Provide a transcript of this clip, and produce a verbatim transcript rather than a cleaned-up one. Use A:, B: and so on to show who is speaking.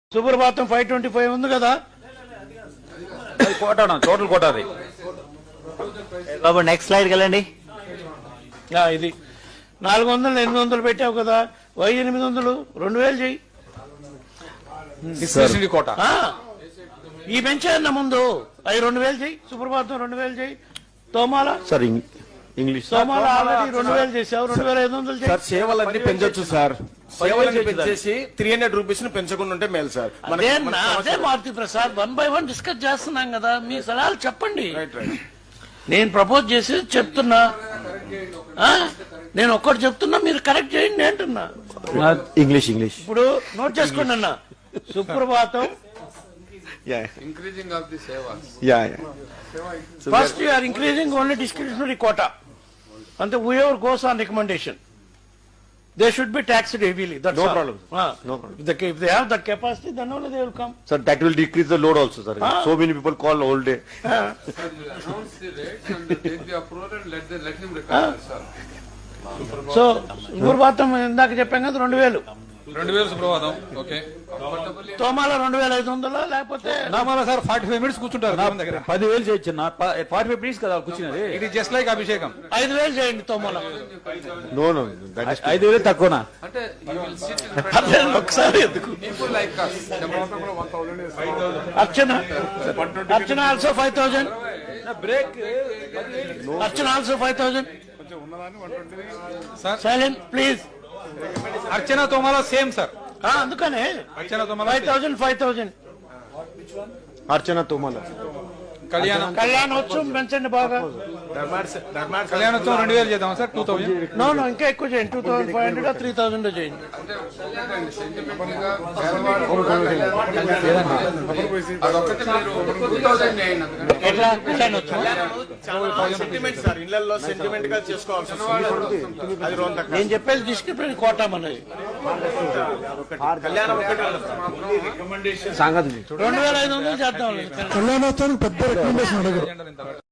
A: సుప్రభాతం five twenty five ఉంది కదా,
B: కోట total కోట అది
C: బాబు నెక్స్ట్ స్లైడ్కి వెళ్ళండి.
A: ఆ, ఇది నాలుగు వందలు ఎనిమిది వందలు పెట్టావు కదా, వై ఎనిమిది వందలు రెండు వేలు చెయ్యి.
B: డిస్క్రిప్షన్ కోట
A: ఆ, ఈ పెంచాయన్న ముందు అవి రెండు వేలు చెయ్యి. సుప్రభాతం రెండు వేలు చెయ్యి. తోమాల
D: సార్ ఇంగ్లీష్
A: తోమాల ఆల్రెడీ రెండు వేలు చేసావు, రెండు వేల ఐదు వందలు
D: సార్
A: చెయ్యి.
D: సేవలన్నీ పెంచొచ్చు సార్. సేవలన్నీ పెంచేసి త్రీ హండ్రెడ్ రూపీస్ ని పెంచకుండా ఉంటే మేలు సార్.
A: అదే నా అదే Maruti Prasad one by one discuss చేస్తున్నాం కదా, మీ సలహాలు చెప్పండి. నేను ప్రపోజ్ చేసి చెప్తున్నా, ఆ? నేను ఒక్కటి చెప్తున్నా, మీరు కరెక్ట్ చేయండి అంటున్నా.
D: ఇంగ్లీష్ ఇంగ్లీష్
A: ఇప్పుడు నోట్ చేసుకోండి అన్న. Suprabhatam
E: increasing of the sevas.
D: Ya ya
A: first you are increasing only discretionary quota. అంటే whoever goes on recommendation they should be taxed heavily.
D: No problem. No problem.
A: If they have that capacity, then only they will come.
D: Sir that will decrease the load also sir. So many people call whole day.
E: Sir, you announce the rates and take the approval and let the, let him recover, sir.
A: So Suprabhatam ఇందాక చెప్పాం కదా రెండు వేలు,
B: రెండు వేలు సుప్రభాతం. Okay
A: తోమాల రెండు వేల ఐదు వందలు లేకపోతే
B: నామాల సార్ ఫార్టీ ఫైవ్ మినిట్స్ కూర్చుంటారు దేవుని దగ్గర.
C: పదివేలు చేయొచ్చు ఫార్టీ ఫైవ్ మినిట్స్ కదా కూర్చున్నది.
B: ఇట్ ఈస్ జస్ట్ లైక్ అభిషేకం.
A: ఐదు వేలు చేయండి తోమాల.
D: నో నో దట్ ఇస్
C: ఐదు వేలు తక్కువనా?
E: అంటే you will sit in front
A: అదే ఒకసారి ఎందుకు
E: of people like us.
A: Archana Archana also five thousand
C: break
A: Archana also five thousand
B: sir
A: silent please.
B: Archana Thomala same sir.
A: అందుకనే
B: Archana Thomala
A: five thousand five thousand
D: Archana Thomala
B: Kalyanam
A: Kalyanotsavam పెంచండి బాగా.
B: కళ్యాణోత్సవం రెండు వేలు చేద్దాం సార్. టూ థౌసండ్
A: నో నో ఇంకా ఎక్కువ చేయండి. Two thousand five hundred three thousand చేయండి.
E: అంటే చూడండి, sentiment గా పేదవాడు అదొక్కటి మీరు two thousand చేయండి. అందుకని
A: ఎట్లా కళ్యాణోత్సవం
D: సెంటిమెంట్ సార్. ఇళ్లలో సెంటిమెంట్ గా చేసుకోవాల్సి వస్తుంది. అది రోజు
A: నేను చెప్పేది డిస్క్రిప్షన్ కోటా మనది.
D: కళ్యాణం
A: రెండు వేల ఐదు వందలు చేద్దాం.
F: కళ్యాణోత్సవానికి పెద్ద రికమెండేషన్ అడగరు.
B: ఇంత